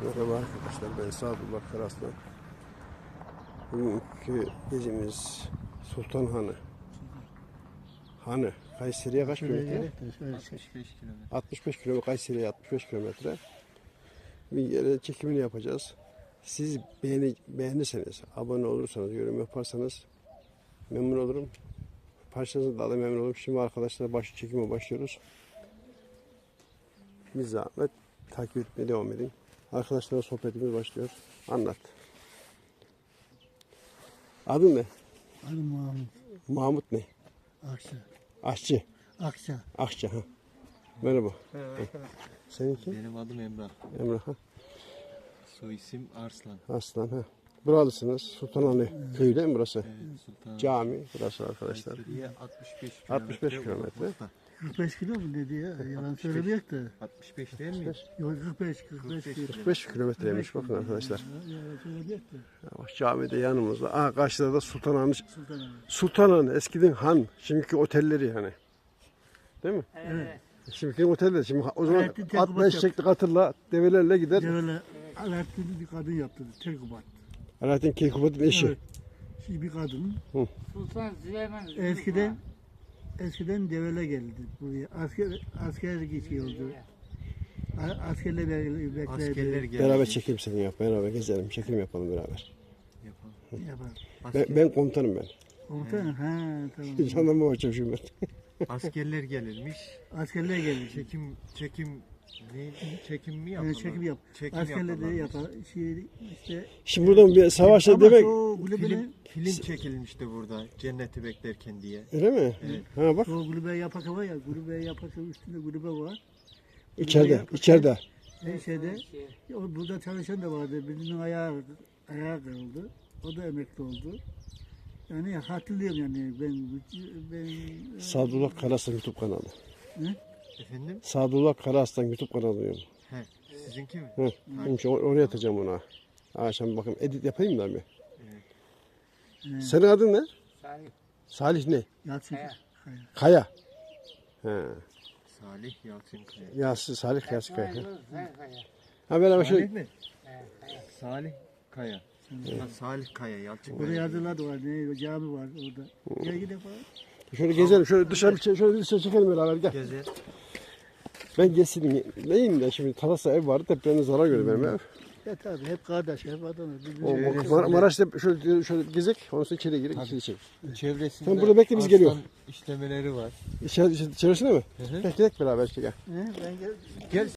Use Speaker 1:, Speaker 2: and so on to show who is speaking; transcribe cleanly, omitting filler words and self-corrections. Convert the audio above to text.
Speaker 1: Merhaba arkadaşlar, ben Sadullah Karaslan. Bugünkü gezimiz Sultan Hanı. Hanı, Kayseri'ye kaç kilometre?
Speaker 2: 65 kilometre.
Speaker 1: 65 kilometre, Kayseri'ye 65 kilometre. Bir yere çekimini yapacağız. Siz beğenirseniz, abone olursanız, yorum yaparsanız memnun olurum. Parçanızı da memnun olurum. Şimdi arkadaşlar çekime başlıyoruz. Bir zahmet takip etmeye devam edin. Arkadaşlarla sohbetimiz başlıyor. Anlat. Adın ne?
Speaker 3: Adım Mahmut.
Speaker 1: Mahmut ne?
Speaker 3: Akça.
Speaker 1: Aşçı.
Speaker 3: Akça.
Speaker 1: Akça ha. Merhaba.
Speaker 2: Evet.
Speaker 1: Seninki?
Speaker 2: Benim adım Emrah.
Speaker 1: Emrah ha.
Speaker 2: Soy isim Arslan.
Speaker 1: Aslan ha. Buralısınız. Sultanahmet köyü değil mi burası?
Speaker 2: Evet, Sultan.
Speaker 1: Cami burası arkadaşlar.
Speaker 2: Kayseri'ye 65 kilometre.
Speaker 1: 65 kilometre.
Speaker 2: uzaklıkta.
Speaker 3: 45 kilo mu dedi ya? Yalan
Speaker 2: 65.
Speaker 3: söylemeyek de.
Speaker 2: 65 değil mi?
Speaker 3: Yok 45 kilo.
Speaker 1: 45 kilometreymiş bakın arkadaşlar.
Speaker 3: Yalan söylemeyek de.
Speaker 1: Bak cami de yanımızda. Aa karşıda da Sultanahmet.
Speaker 3: Sultanahmet.
Speaker 1: Sultanahmet eskiden han. Şimdiki otelleri hani. Değil mi?
Speaker 3: Evet.
Speaker 1: Şimdiki oteller. Şimdi o zaman
Speaker 3: Alaaddin
Speaker 1: at
Speaker 3: Tekkubat
Speaker 1: beş çekti katırla develerle gider.
Speaker 3: Devele Alaaddin bir kadın yaptı. Terkubat.
Speaker 1: Alaaddin Keykubat'ın eşi.
Speaker 3: Evet. Şimdi bir kadın.
Speaker 4: Sultan Süleyman
Speaker 3: Eskiden devele geldi buraya. Asker geçiyordu. Askerler bekledi.
Speaker 2: Askerler geldi.
Speaker 1: Beraber çekim seni yap. Beraber gezelim. Çekim yapalım beraber.
Speaker 2: Yapalım.
Speaker 3: Yapar.
Speaker 1: Ben komutanım ben.
Speaker 3: Komutan ha tamam.
Speaker 1: Jandarma başçavuşuyum ben.
Speaker 2: Askerler gelirmiş.
Speaker 3: Askerler geldi.
Speaker 2: Çekim mi yapalım?
Speaker 3: Çekim yap.
Speaker 2: Çekim
Speaker 3: Askerler de
Speaker 2: yaparlarmış.
Speaker 3: yapar. İşte
Speaker 1: Şimdi buradan bir savaşta
Speaker 3: ama
Speaker 1: demek.
Speaker 3: o kulübenin
Speaker 2: Film çekilmişti burada. Cenneti beklerken diye.
Speaker 1: Öyle mi?
Speaker 2: Evet.
Speaker 1: Ha bak.
Speaker 3: o kulübe yapak var ya, kulübe yapak üstünde kulübe var.
Speaker 1: İçeride.
Speaker 3: Şeyde, o burada çalışan da vardı. Birinin ayağı kırıldı. O da emekli oldu. Yani hatırlıyorum yani ben
Speaker 1: Sadullah Karaslan YouTube kanalı.
Speaker 2: Efendim?
Speaker 1: Sadullah Karaslan YouTube kanalı diyorum.
Speaker 2: He. Sizinki mi?
Speaker 1: Hı. Şimdi oraya atacağım ona. Akşam bakayım edit yapayım da bir. Senin adın ne?
Speaker 4: Salih
Speaker 1: Salih ne?
Speaker 3: Yalçın
Speaker 1: Kaya. He.
Speaker 2: Salih Yalçın Kaya.
Speaker 1: Salih Yası Kaya.
Speaker 4: Kaya.
Speaker 1: Ha beraber
Speaker 2: Salih
Speaker 1: şöyle.
Speaker 2: mi? Salih Kaya. Ha, Salih Kaya, Yalçın
Speaker 3: orada
Speaker 2: Kaya.
Speaker 3: yazılar da var. Ne cami var orada. Gel gidelim falan.
Speaker 1: Şöyle gezelim. Şöyle dışarı çekelim beraber gel.
Speaker 2: Gezer.
Speaker 1: Ben geçsin. Neyim de şimdi Talas'a ev vardı. Depremde zarar gördü benim ev.
Speaker 3: Ya tabii hep kardeş, hep adam.
Speaker 1: Maraş'ta şöyle gezek. Ondan sonra içeri girek. İçeri çek.
Speaker 2: Çevresinde
Speaker 1: Sen burada bekle, biz geliyor.
Speaker 2: aslan işlemeleri var.
Speaker 1: İçerisinde mi?
Speaker 2: Hı hı.
Speaker 1: Gel beraber çekelim.
Speaker 3: Ben gel.
Speaker 2: Gel